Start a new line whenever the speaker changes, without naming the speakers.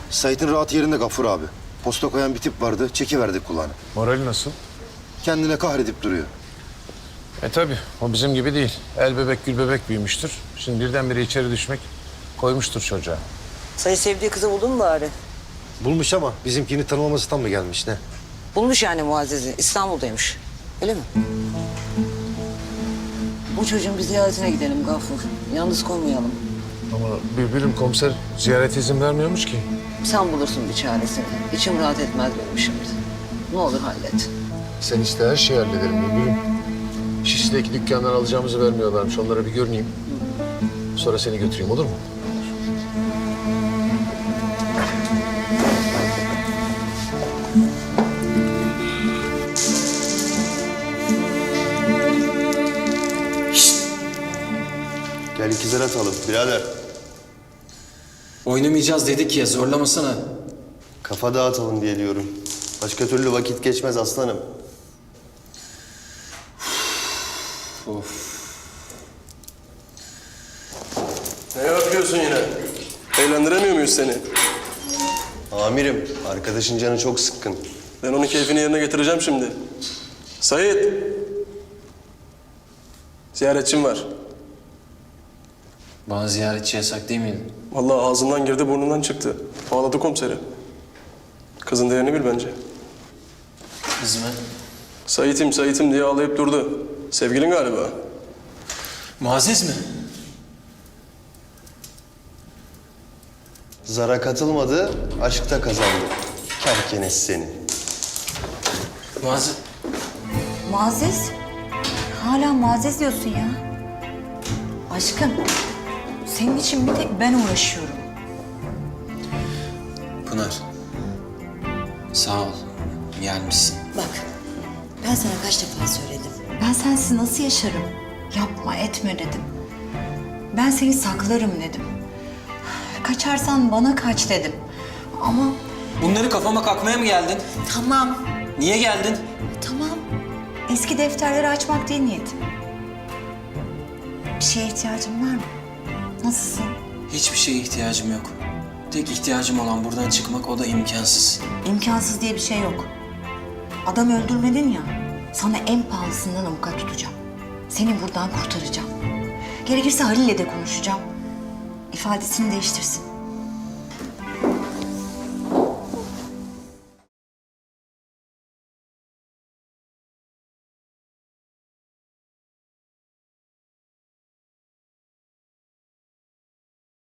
Sait'in rahat yerinde Gafur abi. Posta koyan bir tip vardı, çekiverdik kulağını.
Morali nasıl?
Kendine kahredip duruyor.
Tabii o bizim gibi değil. El bebek gül bebek büyümüştür. Şimdi birdenbire içeri düşmek koymuştur çocuğa.
Sayı sevdiği kızı buldun mu bari?
Bulmuş ama bizimkini tanımamasından mı gelmiş ne?
Bulmuş yani Muazzez'i. İstanbul'daymış. Öyle mi? Bu çocuğun bir ziyaretine gidelim Gafur. Yalnız koymayalım.
Ama Bülbül'üm komiser ziyaret izin vermiyormuş ki.
Sen bulursun bir çaresini. İçim rahat etmez benim şimdi. Ne olur hallet.
Sen iste her şeyi hallederim Bülbül'üm. Şişli'deki dükkandan alacağımızı vermiyorlarmış. Onlara bir görüneyim. Sonra seni götüreyim olur mu?
Gel ikizler atalım birader.
Oynamayacağız dedik ya, zorlamasana.
Kafa dağıtalım diye diyorum. Başka türlü vakit geçmez aslanım.
Ne yapıyorsun yine? Eğlendiremiyor muyuz seni?
Amirim, arkadaşın canı çok sıkkın.
Ben onun keyfini yerine getireceğim şimdi. Sait! Ziyaretçim var.
Bana ziyaretçi yasak değil miydi?
Vallahi ağzından girdi burnundan çıktı. Ağladı komiseri. Kızın değerini bil bence.
Kız mı?
Sait'im diye ağlayıp durdu. Sevgilin galiba.
Muazzez mi?
Zara katılmadı, aşkta kazandı. Kerkenes seni.
Muazzez...
Muazzez? Hala Muazzez diyorsun ya. Aşkım, senin için bir tek ben uğraşıyorum.
Pınar. Sağ ol. Gelmişsin.
Bak, ben sana kaç defa söyledim. Ben sensiz nasıl yaşarım? Yapma, etme dedim. Ben seni saklarım dedim. Kaçarsan bana kaç dedim. Ama
Bunları kafama kakmaya mı geldin?
tamam,
Niye geldin?
tamam. Eski defterleri açmak değil niyetim. Bir şeye ihtiyacın var mı? Nasılsın?
Hiçbir şeye ihtiyacım yok. Tek ihtiyacım olan buradan çıkmak, o da imkansız.
İmkansız diye bir şey yok. Adam öldürmedin ya, sana en pahalısından avukat tutacağım. Seni buradan kurtaracağım. Gerekirse Halil'le de konuşacağım. İfadesini değiştirsin.